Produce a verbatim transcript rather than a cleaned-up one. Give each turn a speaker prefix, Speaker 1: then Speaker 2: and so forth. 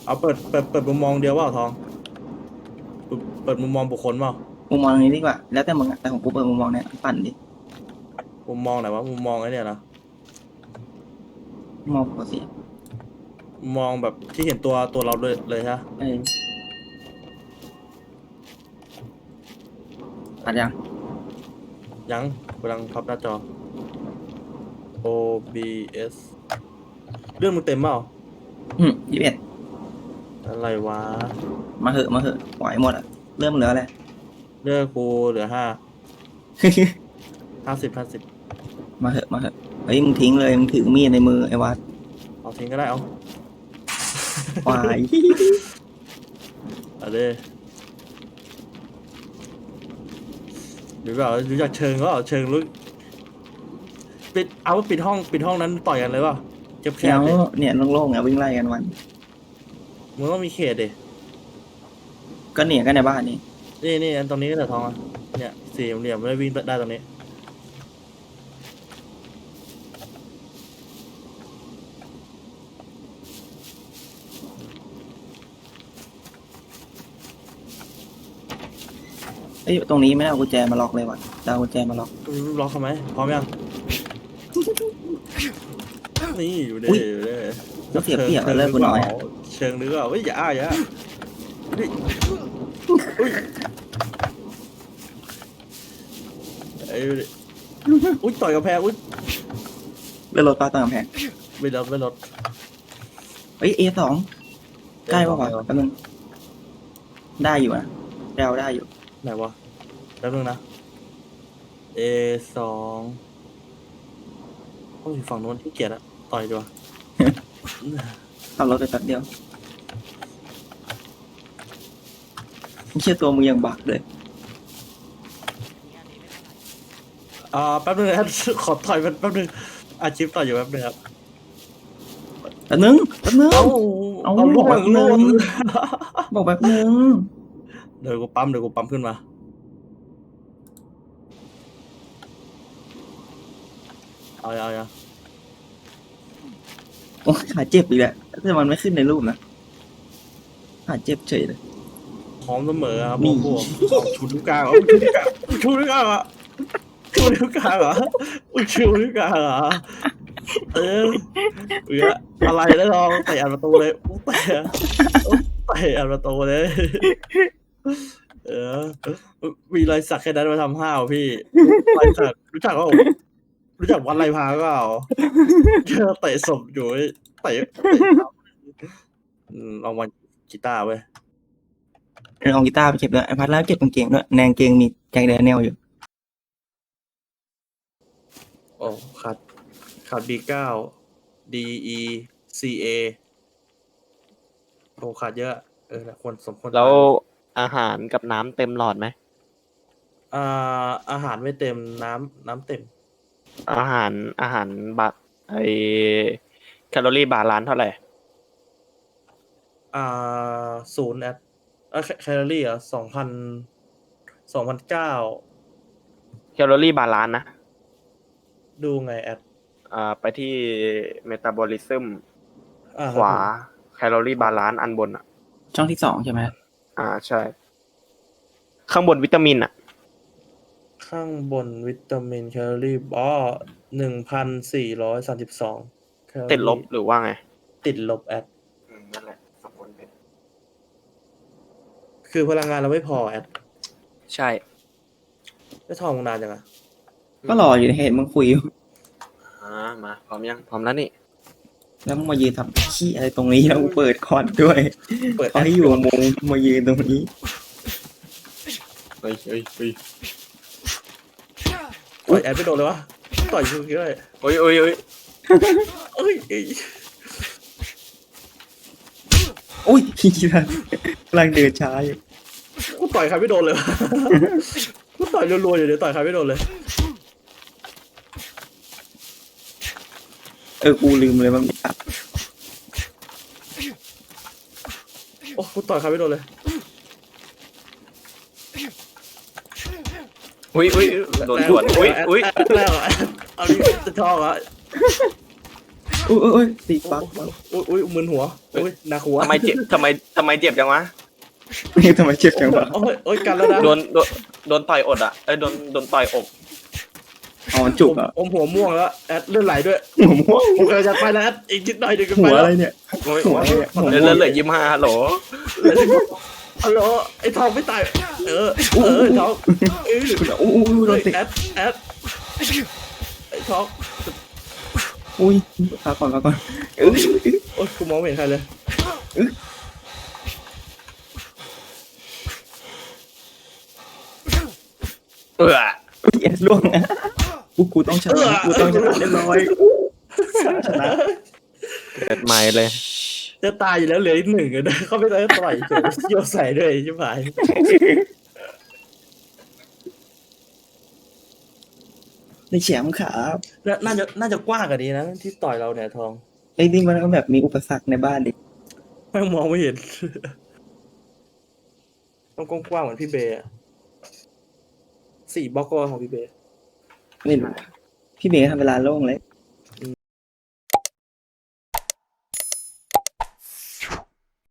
Speaker 1: เอาเปิดเปิดเปิดมุมมองเดียวว่าทองเปิดเปิดมุมมองบุคคลเปล่า
Speaker 2: มุมมองนี้ดีกว่าแล้วแต่มึงอะแต่ของกูเปิดมุมมองเนี้ยปั่นดิ
Speaker 1: มุมมองไหนวะมุมมองไอ้เนี่ยนะ
Speaker 2: มองปกติ
Speaker 1: มุมมองแบบที่เห็นตัวตัวเราเลยเลยฮะ
Speaker 2: เออปัดยัง
Speaker 1: ยังกำลังพับหน้าจอ โอ บี เอส เรื่องมึงเต็มเปล่า
Speaker 2: อืมยี่สิบเอ็ด
Speaker 1: อะไรวะ
Speaker 2: มาเหอะมาเหอะไหวหมดอะเริ่มเหลืออะไร
Speaker 1: เรื่องกูเหลือห้าห้าสิบห้าสิบ
Speaker 2: มาเหอะมาเหอะเฮ้ยมึงทิ้งเลยมึงถือมีดในมือไอ้วัด
Speaker 1: เอาทิ้งก็ได้เอา
Speaker 2: วาย
Speaker 1: เอาดิหรือเปล่ารู้จักเชิงก็เชิงรู้ปิดเอาปิดห้องปิดห้องนั้นต่อยกันเลยเปล่าเก็บแค
Speaker 2: เดี๋ย
Speaker 1: บ
Speaker 2: ว
Speaker 1: ดิ
Speaker 2: เนี่ยโล่งๆอ่ะวิ่งไล่กันวัน
Speaker 1: มึงต้องมีเขตดิ
Speaker 2: ก็เนี่ยก็ในบ้านนี่
Speaker 1: นี่นี่อันตรงนี้ก็แต่ทองอ่ะเนี่ยสี่เหลี่ยมไม่ได้วิ่งได้ตรงนี้
Speaker 2: เอ้ยตรงนี้ไม่ได้เอากุญแจมาล็อกเลยว่ะจะเอากุญแจมาล็อก
Speaker 1: ล็อกทำไมพร้อมยังนี่อยู่เด้อยู่เด้
Speaker 2: ก็เสียเปรียบแล้วเลิกกูหน่อยอะ
Speaker 1: เชิงนึกอ่ะเฮ้ยอย่าอ้าอย่านี่อุ้ยไอ้ดิอุ้ยต่อยกับแพงอุ้ย
Speaker 2: เลื่อนรถป้าตามกำแพง
Speaker 1: ไม่ลดไม่ลด
Speaker 2: เอ้ยเอสองใกล้ป่าววะแป๊บนึงได้อยู่นะเราได้อยู่
Speaker 1: ไหนวะแป๊บนึงนะ เอ สองต้องอยู่ฝั่งโน้นที่เกียจอะต่อยดีกว่า
Speaker 2: ขับรถไปแป๊บเดียวไม่เชื่อตัวมึงยังบักเลย
Speaker 1: อ่าแป๊บนึงนะ ขอถอยแป๊บนึงอาชีพต่ออยู่แป๊บนึงครับ
Speaker 2: แป๊บนึงแป๊บนึง
Speaker 1: เอา
Speaker 2: เอา
Speaker 1: เอา
Speaker 2: บ
Speaker 1: ล่
Speaker 2: อก
Speaker 1: ว
Speaker 2: แป๊
Speaker 1: ง
Speaker 2: บนึ
Speaker 1: ล่วง
Speaker 2: งบอกแป๊บนึง
Speaker 1: เดี๋ยวกูปั๊มเดี๋ยวกูปั๊มขึ้นมาเอาเอาเอา
Speaker 2: โอ้ยขาเจ็บอีกแล้วแต่มันไม่ขึ้นในรูปนะขาเจ็บเฉยเลย
Speaker 1: พร้อมเสมอครับ
Speaker 2: นี่
Speaker 1: พวกเอาชูนิ้วกลางเอาชูนิ้วกลางชูนิ้วกลางเหรอชูนิ้วกลางเหรอชูนิ้วกลางเหรอเออเอืออะไรแล้วลองเตะอัดประตูเลยอุ๊ยเตะอุ๊ยเตะอัดประตูเลยเออมีรอยสักแค่นั้นมาทำห้าวพี่รอยสักรู้จักเปล่ารู้จักวัดไรพาเปล่าเจอเตะศพอยู่เตะลองวันกีตาร์เว้ย
Speaker 2: เอากีตาร์ไปเก็บด้วยไอพัดแล้วเก็บกางเกงด้วยแนงเกงมีแจ็คแดเนียลอยู่
Speaker 1: โอ้ขาดขาด บี เก้า D E C A โอ้ขาดเยอะเออควรสมควร
Speaker 3: แล้วอาหารกับน้ำเต็มหลอดไหม
Speaker 1: อ่าอาหารไม่เต็มน้ำน้ำเต็ม
Speaker 3: อาหารอาหารบาไอแคลอรี่บาลานซ์เท่าไหร่
Speaker 1: อ่าศูนย์แอดเออแคลอรี่อ่ะสองพันสองพันเก้า
Speaker 3: แคลอรี่บาลานซ์นะ
Speaker 1: ดูไงแอด
Speaker 3: อ่าไปที่เมตาบอลิซึม
Speaker 1: อ่า
Speaker 3: ขวาแคลอรี่บาลานซ์อันบนอ่ะ
Speaker 2: ช่องที่สองใช่ไหม
Speaker 3: อ่าใช่ ข้างบนวิตามินอ่ะ
Speaker 1: ข้างบนวิตามินแคลอรี่อ๋อหนึ่งพันสี่ร้อยสามสิบสอง
Speaker 3: ติดลบหรือว่าไง
Speaker 1: ติดลบแอด
Speaker 3: นั่นแหละสมควรเป็น
Speaker 1: คือพลังงานเราไม่พอแอด
Speaker 3: ใช่
Speaker 1: ได้ทองนานจังอะ
Speaker 2: ก็รออยู่เห็นมึงคุยอยู่
Speaker 3: อ่ามาพร้อมยังพร้อมแล้วนี่
Speaker 2: แล้วมึงมายืนทำขี้อะไรตรงนี้แล้วกูเปิดคอนด้วย
Speaker 1: เปิด
Speaker 2: เขาให้อยู่มุมมายืนตรงนี้
Speaker 3: เฮ้ยเฮ้ยเฮ้ย
Speaker 1: ต่อยแอดไม่โดนเลยวะต่อยชูกี้เลย
Speaker 3: เฮ้ยเฮ้ยเฮ้ย
Speaker 1: เอ้ยเอ้ย
Speaker 2: โอ้ยพี่นะกำลังเดินช้าอยู่
Speaker 1: กูต่อยใครไม่โดนเลยวะ กูต่อยรัวๆอยู่เดี๋ยวต่อยใครไม่โดนเลย
Speaker 2: เออกูลืมเลยว่ามีอัด
Speaker 1: โอ้กูต่อยใครไม่โดนเลย
Speaker 3: อุ้ยอุ้ยโดนสวนอุ้ยอุ้ย
Speaker 1: แล้วเอาดิจะชอบอ่ะ
Speaker 2: อุ้ยอุ้ยอุ้ยตีปัก
Speaker 1: อุ้ยอุ้ยมึนหัวอุ้ยหนักหัว
Speaker 3: ทำไมเจ็บทำไมทำไมเจ็บจังวะ
Speaker 2: นี่ทำไมเจ็บจังวะ
Speaker 1: โอ้ยโอ้ยกันแล้วนะ
Speaker 3: โดนโดนโดนต่อยอดอ่ะเอ้ยโดนโดนต่อยอก
Speaker 2: อ๋อมันจุกอ่ะ
Speaker 1: อมหัวม่วงแล้วแอดเลือดไหลด้วย
Speaker 2: หัวม่วง
Speaker 1: ผมกำลังจะไปแล้วแอดอีกนิดหน่อยเดี๋ยวก็
Speaker 2: หั
Speaker 1: ไป
Speaker 2: ว
Speaker 1: แล้
Speaker 2: อะไร
Speaker 1: ว
Speaker 2: เนี่ย
Speaker 3: โอ้ย
Speaker 2: หัวอะไรเนี่ยหัว
Speaker 3: เหลือ
Speaker 2: ม่วง
Speaker 3: เหลือยิ้มห้าฮัลโหล
Speaker 1: ฮัลโหลไอ้ทองไม่ตายเออเออทองเออ
Speaker 2: อู้อู้อู้โดนติ
Speaker 1: แอดแอดไอ้ทอง
Speaker 2: อุ้ยพักก่อนพักก่อนเอ้ย
Speaker 1: โอ้ยกูมองไม่เห็นใครเลย
Speaker 3: เออ
Speaker 2: เอสล่วงนะกูกูต้องชนะกูต้องชนะเรียบร้อยชนะ
Speaker 3: เกิดใหม่เลย
Speaker 1: จะตายอยู่แล้วเหลืออีกหนึ่งเลยนะเขาไม่ได้ต่อยเฉยโยนใส่ด้วยใช่ไหม
Speaker 2: ในแชมป์ครับ
Speaker 1: น่าจะน่าจะกว้างกว่านี้นะที่ต่อยเราเนี่ยทอง
Speaker 2: ไอ้นี่มันก็แบบมีอุปสรรคในบ้านดิ
Speaker 1: ไม่มองไม่เห็น ต้องกว้างๆเหมือนพี่เบย์อะสี่บล็อกก็ของพี่เบย์
Speaker 2: ไม่รู้พี่เมย์ทำเวลาโล่งเลย